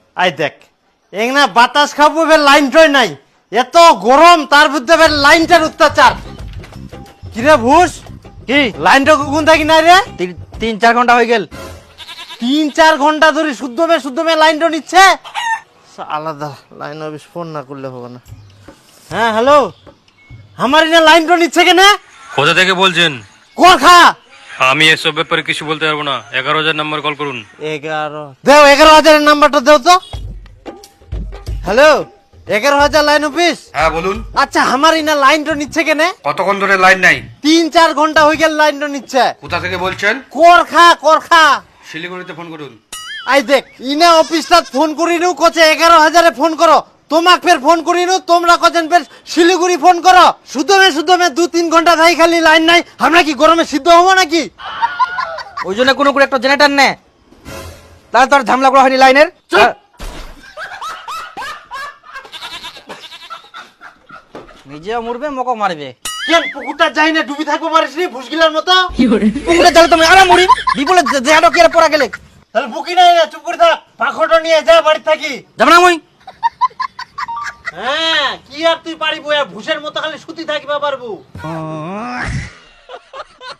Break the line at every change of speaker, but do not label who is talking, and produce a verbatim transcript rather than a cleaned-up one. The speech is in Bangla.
আই দেখ এং না বাতাস খাবো ফের লাইনটাই নাই, এত গরম তার মধ্যে ফের লাইনটার অত্যাচার। কিরে ভুষ,
কি
লাইনটা কখন থাকি নাই রে?
তিন তিন চার ঘন্টা হয়ে গেল।
তিন চার ঘন্টা ধরে শুদ্ধ মে শুদ্ধ মে লাইনটা নিচ্ছে। আলাদা লাইন অফিস ফোন না করলে হবে না। হ্যাঁ হ্যালো, আমার এখানে লাইনটা নিচ্ছে কেন?
কোথা থেকে বলছেন?
কোরখা।
আমি এসব ব্যাপারে কিছু বলতে পারবো না। এগারো হাজার নাম্বার কল করুন।
এগারো দেও, এগারো হাজারের নাম্বারটা দেও তো। হ্যালো, এগারো হাজার লাইন অফিস।
হ্যাঁ বলুন,
আচ্ছা আমার এখানে লাইনটা নিচ্ছে কেন?
কতক্ষণ ধরে লাইন নাই?
তিন চার ঘন্টা হয়ে গেল লাইনটা নিচ্ছে।
কোথা থেকে বলছেন?
কোরখা কোরখা।
শিলিগুড়িতে ফোন করুন।
আই দেখ ইনা অফিসটা ফোন করিনু কোচে এগারো হাজারে ফোন করো, তোমাক ফের ফোন করিনু তোমরা কছেন ফের শিলিগুড়ি ফোন করো। সুদমে সুদমে দু তিন ঘন্টা থাই খালি লাইন নাই, আমরা কি গরমে সিদ্ধ হবো নাকি?
ওই জন্য কোনো করে একটা জেনারেটর নে, তাহলে তোর ঝামেলা করা হয়নি লাইনের।
চুপ!
নিজেও মরবে মকও মারবে।
কেন পুকুরটা যাই না ডুবি থাকবো পারিস নি ভুসগিলার মতো?
পুকুরে যাবে তুমি আরে মরি বিপুলে জেহাটো কি পড়া গেলে
তাহলে বুকি নাই না, চুপ করে থাক, পাখোটা নিয়ে যা বাড়ি থাকি।
যাবে না মই।
হ্যাঁ কি আর তুই পারিব, ভুষের মতো খালি সুতি থাকিবা পারবো।